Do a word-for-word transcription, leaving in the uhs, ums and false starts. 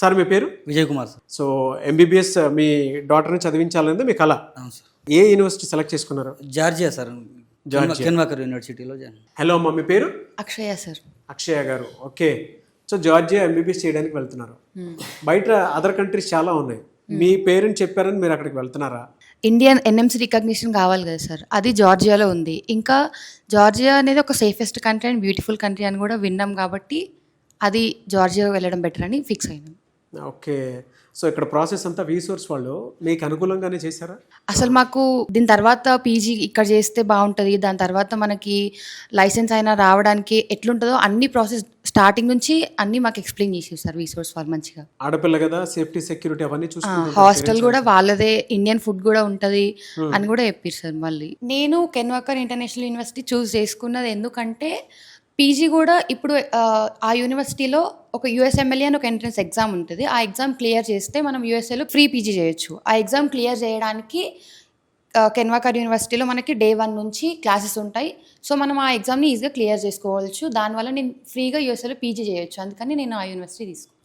Sir మీ పేరు? Vijay Kumar sir. So MBBS మీ డాటర్ని చదివించాలనేది మీ కళ. అవును సార్. ఏ యూనివర్సిటీ సెలెక్ట్ చేసుకున్నారు? Georgia sir, Georgia. కెన్వాకర్ యూనివర్సిటీలో జాయిన్. హలో అమ్మ, మీ పేరు? అక్షయ సార్. అక్షయ గారు, ఓకే. సో జార్జియా ఎంబీబీఎస్ చేయడానికి వెళ్తున్నారు. బయట అదర్ కంట్రీస్ చాలా ఉన్నాయి. మీ పేరెంట్ చెప్పారని మీరు అక్కడికి వెళ్తున్నారా? ఇండియన్ ఎన్ఎంసీ రికగ్నిషన్ కావాలి కదా సార్, అది జార్జియాలో ఉంది. ఇంకా జార్జియా అనేది ఒక safest country and beautiful country అని కూడా విన్నాం కాబట్టి అది జార్జియా వెళ్ళడం బెటర్ అని ఫిక్స్ అయినాం. ఓకే. సో ఇక్కడ ప్రాసెస్ అంతా వీసోర్స్ వాళ్ళు మీకు అనుకూలంగానే చేశారా? అసలు మాకు దీని తర్వాత పీజీ ఇక్కడ చేస్తే బాగుంటుంది, దాని తర్వాత మనకి లైసెన్స్ అయినా రావడానికి ఎట్లుంటుందో అన్ని ప్రాసెస్ స్టార్టింగ్ నుంచి అన్ని మాకు ఎక్స్ప్లెయిన్ చేసేది సార్ వీసోర్స్ వాళ్ళు మంచిగా. ఆడపిల్ల కదా, సేఫ్టీ సెక్యూరిటీ అవన్నీ చూసుకుంటారు. హాస్టల్ కూడా వాళ్ళదే, ఇండియన్ ఫుడ్ కూడా ఉంటుంది అని కూడా చెప్పారు సార్. మళ్ళీ నేను కెన్వాకర్ ఇంటర్నేషనల్ యూనివర్సిటీ చూస్ చేసుకున్నది ఎందుకంటే పీజీ కూడా ఇప్పుడు ఆ యూనివర్సిటీలో ఒక యూఎస్ఎంఎల్ఏ అని ఒక ఎంట్రన్స్ ఎగ్జామ్ ఉంటుంది. ఆ ఎగ్జామ్ క్లియర్ చేస్తే మనం యూఎస్ఏలో ఫ్రీ పీజీ చేయొచ్చు. ఆ ఎగ్జామ్ క్లియర్ చేయడానికి కెన్వాకర్ యూనివర్సిటీలో మనకి డే వన్ నుంచి క్లాసెస్ ఉంటాయి. సో మనం ఆ ఎగ్జామ్ని ఈజీగా క్లియర్ చేసుకోవచ్చు. దానివల్ల నేను ఫ్రీగా యూఎస్ఏలో పీజీ చేయొచ్చు. అందుకని నేను ఆ యూనివర్సిటీ తీసుకున్నాను.